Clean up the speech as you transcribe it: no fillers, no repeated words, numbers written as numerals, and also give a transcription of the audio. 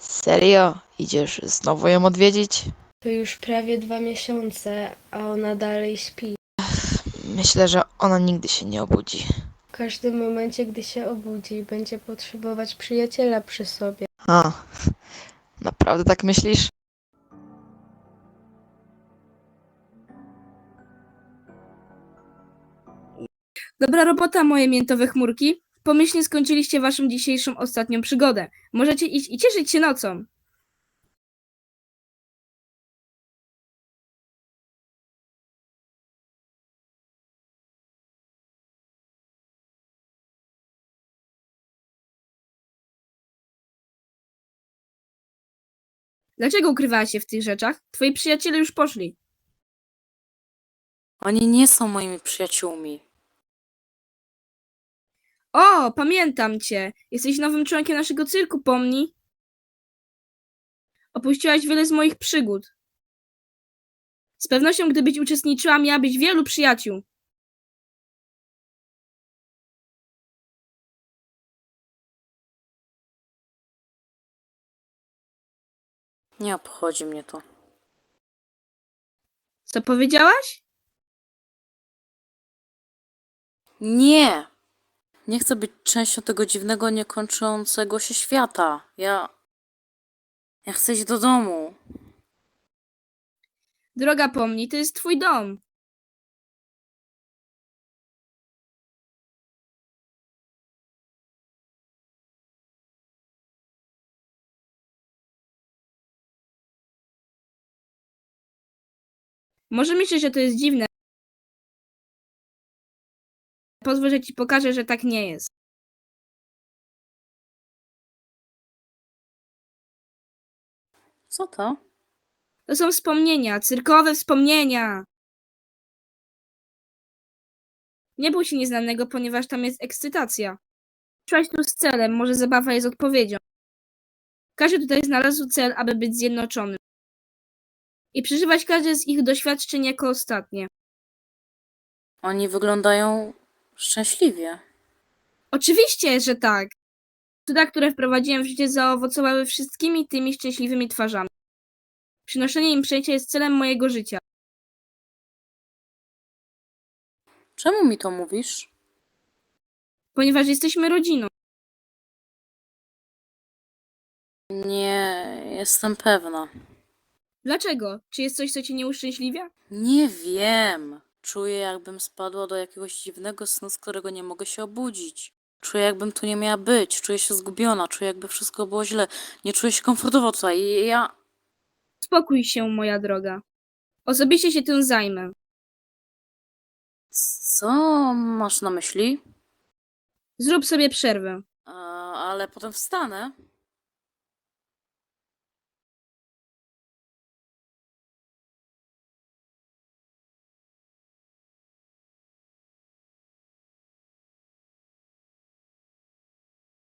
Serio? Idziesz znowu ją odwiedzić? To już prawie 2 miesiące, a ona dalej śpi. Myślę, że ona nigdy się nie obudzi. W każdym momencie, gdy się obudzi, będzie potrzebować przyjaciela przy sobie. A, naprawdę tak myślisz? Dobra robota, moje miętowe chmurki. Pomyślnie skończyliście waszą dzisiejszą ostatnią przygodę. Możecie iść i cieszyć się nocą. Dlaczego ukrywałaś się w tych rzeczach? Twoi przyjaciele już poszli. Oni nie są moimi przyjaciółmi. O, pamiętam cię. Jesteś nowym członkiem naszego cyrku, pomnij. Opuściłaś wiele z moich przygód. Z pewnością, gdybyś uczestniczyła, miałabyś wielu przyjaciół. Nie obchodzi mnie to. Co powiedziałaś? Nie! Nie chcę być częścią tego dziwnego, niekończącego się świata. Ja chcę iść do domu. Droga, pomnij, to jest twój dom. Może myślisz, że to jest dziwne. Pozwól, że ci pokażę, że tak nie jest. Co to? To są wspomnienia, cyrkowe wspomnienia. Nie bój się nieznanego, ponieważ tam jest ekscytacja. Przyszłaś tu z celem, może zabawa jest odpowiedzią. Każdy tutaj znalazł cel, aby być zjednoczony. I przeżywać każde z ich doświadczeń jako ostatnie. Oni wyglądają szczęśliwie. Oczywiście, że tak. Cuda, które wprowadziłem w życie, zaowocowały wszystkimi tymi szczęśliwymi twarzami. Przynoszenie im szczęścia jest celem mojego życia. Czemu mi to mówisz? Ponieważ jesteśmy rodziną. Nie jestem pewna. Dlaczego? Czy jest coś, co cię nie uszczęśliwia? Nie wiem. Czuję, jakbym spadła do jakiegoś dziwnego snu, z którego nie mogę się obudzić. Czuję, jakbym tu nie miała być. Czuję się zgubiona. Czuję, jakby wszystko było źle. Nie czuję się komfortowo tutaj. Ja... Uspokój się, moja droga. Osobiście się tym zajmę. Co masz na myśli? Zrób sobie przerwę. Ale potem wstanę.